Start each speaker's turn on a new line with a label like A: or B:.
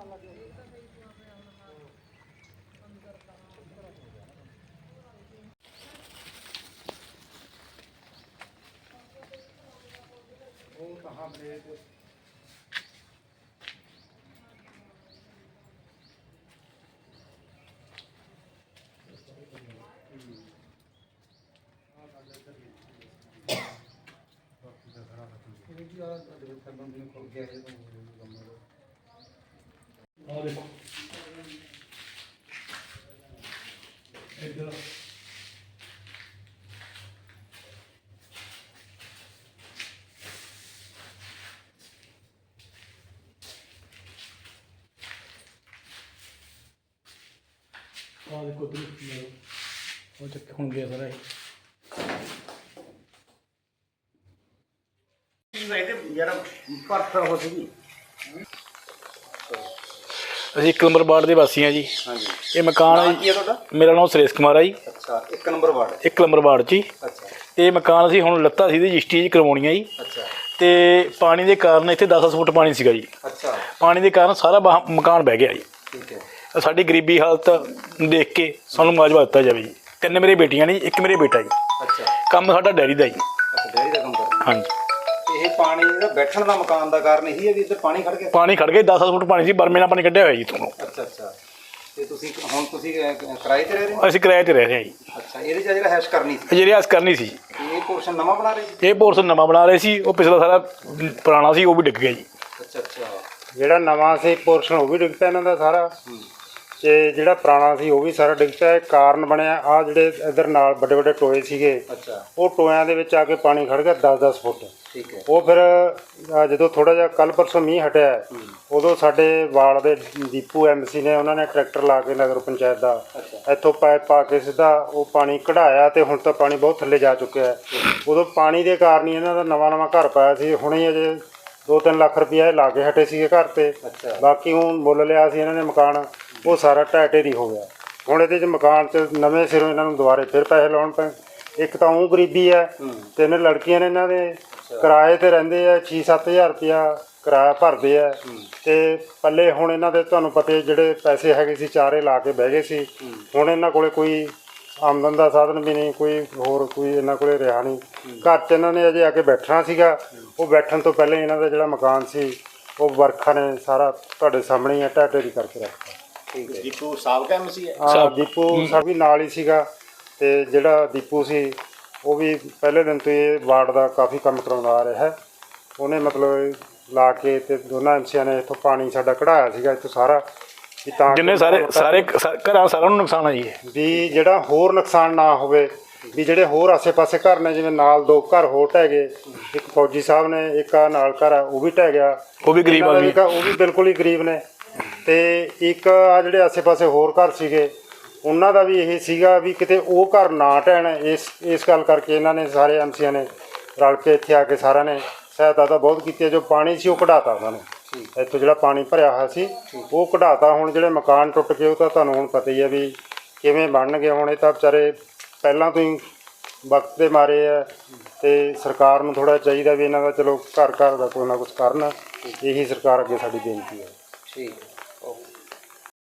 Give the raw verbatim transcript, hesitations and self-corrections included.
A: इधर ਆ ਦੇਖੋ ਤੁਸੀਂ ਉਹ ਚੱਕ ਹੁਣ ਗਿਆ ਸਾਰਾ
B: ਯਾਰ ਪੱਥਰ ਹੋ ਸੀ।
A: ਅਸੀਂ ਇੱਕ ਨੰਬਰ ਵਾਰਡ ਦੇ ਵਾਸੀ ਹਾਂ ਜੀ।
B: ਹਾਂਜੀ
A: ਇਹ ਮਕਾਨ ਹੈ
B: ਕੀ ਹੈ ਤੁਹਾਡਾ?
A: ਮੇਰਾ ਨਾਮ ਸੁਰੇਸ਼ ਕੁਮਾਰ ਹੈ ਜੀ।
B: ਅੱਛਾ ਇੱਕ ਨੰਬਰ ਵਾਰਡ
A: ਇੱਕ ਨੰਬਰ ਵਾਰਡ 'ਚ ਜੀ।
B: ਅੱਛਾ
A: ਇਹ ਮਕਾਨ ਅਸੀਂ ਹੁਣ ਲੱਤਾ ਸੀ ਇਹਦੀ ਰਜਿਸਟਰੀ ਜੀ ਕਰਵਾਉਣੀ ਹੈ ਜੀ।
B: ਅੱਛਾ
A: ਤੇ ਪਾਣੀ ਦੇ ਕਾਰਨ ਇੱਥੇ ਦਸ ਦਸ ਫੁੱਟ ਪਾਣੀ ਸੀਗਾ ਜੀ।
B: ਅੱਛਾ
A: ਪਾਣੀ ਦੇ ਕਾਰਨ ਸਾਰਾ ਬਾਹ- ਮਕਾਨ ਬਹਿ ਗਿਆ ਜੀ।
B: ਠੀਕ ਹੈ।
A: ਸਾਡੀ ਗਰੀਬੀ ਹਾਲਤ ਦੇਖ ਕੇ ਸਾਨੂੰ ਮੁਆਵਜ਼ਾ ਦਿੱਤਾ ਜਾਵੇ ਜੀ। ਤਿੰਨ ਮੇਰੇ ਬੇਟੀਆਂ ਨੇ ਜੀ, ਇੱਕ ਮੇਰੇ ਬੇਟਾ ਜੀ।
B: ਅੱਛਾ
A: ਕੰਮ ਸਾਡਾ ਡੈਰੀ ਦਾ ਜੀ।
B: ਅੱਛਾ ਡੈਰੀ ਦਾ ਕੰਮ ਕਰਦਾ।
A: ਹਾਂਜੀ
B: ਇਹ ਪਾਣੀ ਜਿਹੜਾ ਬੈਠਣ ਦਾ ਮਕਾਨ ਦਾ ਕਾਰਨ ਇਹੀ ਹੈ ਵੀ ਇੱਧਰ ਪਾਣੀ ਖੜ ਗਿਆ।
A: ਪਾਣੀ ਖੜ ਗਿਆ ਦਸ ਦਸ ਫੁੱਟ ਪਾਣੀ ਸੀ, ਬਰਮੇ ਨਾਲ ਪਾਣੀ ਕੱਢਿਆ ਹੋਇਆ ਜੀ ਤੁਹਾਨੂੰ।
B: ਅੱਛਾ ਅੱਛਾ ਤੇ ਤੁਸੀਂ ਹੁਣ ਤੁਸੀਂ ਅਹ, ਕਿਰਾਏ ਤੇ ਰਹਿ ਰਹੇ ਹੋ?
A: ਅਸੀਂ ਕਿਰਾਏ ਤੇ ਰਹਿ ਰਹੇ ਹਾਂ ਜੀ।
B: ਅੱਛਾ ਇਹਦੇ 'ਚ ਜਿਹੜਾ ਹੈਸ਼ ਕਰਨੀ ਸੀ
A: ਜਿਹੜੀ ਆਸ ਕਰਨੀ ਸੀ
B: ਇਹ ਪੋਰਸ਼ਨ ਨਵਾਂ ਬਣਾ ਰਹੇ ਸੀ?
A: ਇਹ ਪੋਰਸ਼ਨ ਨਵਾਂ ਬਣਾ ਰਹੇ ਸੀ, ਉਹ ਪਿਛਲਾ ਸਾਰਾ ਪੁਰਾਣਾ ਸੀ ਉਹ ਵੀ ਡਿੱਗ ਗਿਆ ਜੀ।
B: ਅੱਛਾ ਅੱਛਾ
C: ਜਿਹੜਾ ਨਵਾਂ ਸੀ ਪੋਰਸ਼ਨ ਉਹ ਵੀ ਡਿੱਗ ਪਿਆ ਇਹਨਾਂ ਦਾ ਸਾਰਾ, ਤੇ ਜਿਹੜਾ ਪੁਰਾਣਾ ਸੀ ਉਹ ਵੀ ਸਾਰਾ ਡਿੱਗ ਪਿਆ। ਇਹ ਕਾਰਨ ਬਣਿਆ ਆ ਜਿਹੜੇ ਇੱਧਰ ਨਾਲ ਵੱਡੇ ਵੱਡੇ ਟੋਏ ਸੀਗੇ,
B: ਅੱਛਾ
C: ਉਹ ਟੋਇਆਂ ਦੇ ਵਿੱਚ ਆ ਕੇ ਪਾਣੀ ਖੜ ਗਿਆ ਦਸ ਦਸ ਫੁੱਟ।
B: ਠੀਕ ਹੈ।
C: ਉਹ ਫਿਰ ਅ, ਜਦੋਂ ਥੋੜਾ ਜਿਹਾ ਕੱਲ ਪਰਸੋਂ ਮੀਂਹ ਹਟਿਆ, ਉਦੋਂ ਸਾਡੇ ਵਾਲ ਦੇ ਦੀਪੂ ਐਮਸੀ ਨੇ ਉਹਨਾਂ ਨੇ ਟਰੈਕਟਰ ਲਾ ਕੇ ਨਗਰ ਪੰਚਾਇਤ ਦਾ ਇੱਥੋਂ ਪਾਈਪ ਪਾ ਕੇ ਸਿੱਧਾ ਉਹ ਪਾਣੀ ਕਢਾਇਆ, ਤੇ ਹੁਣ ਤਾਂ ਪਾਣੀ ਬਹੁਤ ਥੱਲੇ ਜਾ ਚੁੱਕਿਆ ਹੈ। ਉਦੋਂ ਪਾਣੀ ਦੇ ਕਾਰਨ ਹੀ ਇਹਨਾਂ ਦਾ ਨਵਾਂ ਨਵਾਂ ਘਰ ਪਾਇਆ ਸੀ। ਹੁਣੇ ਅਜੇ ਦੋ ਤਿੰਨ ਲੱਖ ਰੁਪਇਆ ਲਾ ਕੇ ਹਟੇ ਸੀਗੇ ਘਰ ਤੇ। ਬਾਕੀ ਹੁਣ ਮੁੱਲ ਲਿਆ ਸੀ ਇਹਨਾਂ ਨੇ ਮਕਾਨ, ਉਹ ਸਾਰਾ ਢਹਿ ਢੇਰੀ ਹੋ ਗਿਆ। ਹੁਣ ਇਹਦੇ 'ਚ ਮਕਾਨ 'ਚ ਨਵੇਂ ਸਿਰੋਂ ਇਹਨਾਂ ਨੂੰ ਦੁਬਾਰੇ ਫਿਰ ਪੈਸੇ ਲਾਉਣ ਪਏ। ਇੱਕ ਤਾਂ ਉਹ ਗਰੀਬੀ ਹੈ, ਤਿੰਨ ਲੜਕੀਆਂ ਨੇ ਇਹਨਾਂ ਦੇ, ਕਿਰਾਏ ਤੇ ਰਹਿੰਦੇ ਆ, ਛੇ ਸੱਤ ਹਜ਼ਾਰ ਰੁਪਇਆ ਕਿਰਾਇਆ ਭਰਦੇ ਆ। ਤੇ ਪੱਲੇ ਹੁਣ ਇਹਨਾਂ ਦੇ ਤੁਹਾਨੂੰ ਪਤਾ ਜਿਹੜੇ ਪੈਸੇ ਹੈਗੇ ਸੀ ਚਾਰੇ ਲਾ ਕੇ ਬਹਿ ਗਏ ਸੀ। ਹੁਣ ਇਹਨਾਂ ਕੋਲੇ ਕੋਈ ਆਮਦਨ ਦਾ ਸਾਧਨ ਵੀ ਨਹੀਂ, ਕੋਈ ਹੋਰ ਕੋਈ ਇਹਨਾਂ ਕੋਲੇ ਰਿਹਾ ਨਹੀਂ। ਘਰ 'ਚ ਇਹਨਾਂ ਨੇ ਅਜੇ ਆ ਕੇ ਬੈਠਣਾ ਸੀਗਾ, ਉਹ ਬੈਠਣ ਤੋਂ ਪਹਿਲਾਂ ਇਹਨਾਂ ਦਾ ਜਿਹੜਾ ਮਕਾਨ ਸੀ ਉਹ ਵਰਖਾ ਨੇ ਸਾਰਾ ਤੁਹਾਡੇ ਸਾਹਮਣੇ ਹੀ ਢਹਿ ਢੇਰੀ ਕਰਕੇ ਰੱਖਤਾ।
B: ਠੀਕ ਹੈ। ਦੀਪੂ ਸਾਬਕਾ ਐਮਸੀ ਹੈ?
C: ਹਾਂ ਦੀਪੂ ਸਾਡਾ ਵੀ ਨਾਲ ਹੀ ਸੀਗਾ। ਤੇ ਜਿਹੜਾ ਦੀਪੂ ਸੀ ਉਹ ਵੀ ਪਹਿਲੇ ਦਿਨ ਤੋਂ ਇਹ ਵਾਰਡ ਦਾ ਕਾਫੀ ਕੰਮ ਕਰਾਉਂਦਾ ਆ ਰਿਹਾ ਹੈ। ਉਹਨੇ ਮਤਲਬ ਲਾ ਕੇ ਤੇ ਦੋਨਾਂ ਐਮਸੀਆਂ ਨੇ ਇੱਥੋਂ ਪਾਣੀ ਸਾਡਾ ਕਢਾਇਆ ਸੀਗਾ ਇੱਥੋਂ ਸਾਰਾ, ਵੀ ਤਾਂ
A: ਜਿੰਨੇ ਸਾਰੇ ਸਾਰੇ ਘਰਾਂ ਸਾਰਿਆਂ ਨੂੰ ਨੁਕਸਾਨ ਆ ਜੀ।
C: ਵੀ ਜਿਹੜਾ ਹੋਰ ਨੁਕਸਾਨ ਨਾ ਹੋਵੇ, ਵੀ ਜਿਹੜੇ ਹੋਰ ਆਸੇ-ਪਾਸੇ ਘਰ ਨੇ, ਜਿਵੇਂ ਨਾਲ ਦੋ ਘਰ ਹੋਰ ਢਹਿ ਗਏ, ਇੱਕ ਫੌਜੀ ਸਾਹਿਬ ਨੇ, ਇੱਕ ਆ ਨਾਲ ਘਰ ਆ ਉਹ ਵੀ ਢਹਿ ਗਿਆ,
A: ਉਹ ਵੀ ਗਰੀਬ ਆਦਮੀ,
C: ਉਹ ਵੀ ਬਿਲਕੁਲ ਹੀ ਗਰੀਬ ਨੇ। ਤੇ ਇੱਕ ਆ ਜਿਹੜੇ ਆਸੇ-ਪਾਸੇ ਹੋਰ ਘਰ ਸੀਗੇ ਉਹਨਾਂ ਦਾ ਵੀ ਇਹ ਸੀਗਾ ਵੀ ਕਿਤੇ ਉਹ ਘਰ ਨਾ ਢਹਿਣ। ਇਸ ਇਸ ਗੱਲ ਕਰਕੇ ਇਹਨਾਂ ਨੇ ਸਾਰੇ ਐਮਸੀਆਂ ਨੇ ਰਲ ਕੇ ਇੱਥੇ ਆ ਕੇ ਸਾਰਿਆਂ ਨੇ ਸਹਾਇਤਾ ਤਾਂ ਬਹੁਤ ਕੀਤੀ ਹੈ। ਜੋ ਪਾਣੀ ਸੀ ਉਹ ਕਢਾਤਾ ਉਹਨਾਂ ਨੇ, ਇੱਥੋਂ ਜਿਹੜਾ ਪਾਣੀ ਭਰਿਆ ਹੋਇਆ ਸੀ ਉਹ ਕਢਾਤਾ। ਹੁਣ ਜਿਹੜੇ ਮਕਾਨ ਟੁੱਟ ਗਏ ਉਹ ਤਾਂ ਤੁਹਾਨੂੰ ਹੁਣ ਪਤਾ ਹੀ ਹੈ ਵੀ ਕਿਵੇਂ ਬਣਨਗੇ। ਹੁਣ ਇਹ ਤਾਂ ਵਿਚਾਰੇ ਪਹਿਲਾਂ ਤੋਂ ਹੀ ਵਕਤ ਦੇ ਮਾਰੇ ਆ, ਤੇ ਸਰਕਾਰ ਨੂੰ ਥੋੜ੍ਹਾ ਚਾਹੀਦਾ ਵੀ ਇਹਨਾਂ ਦਾ ਚਲੋ ਘਰ ਘਰ ਦਾ ਕੋਈ ਨਾ ਕੁਛ ਕਰਨ। ਇਹੀ ਸਰਕਾਰ ਅੱਗੇ ਸਾਡੀ ਬੇਨਤੀ ਹੈ।
B: ਠੀਕ ਹੈ।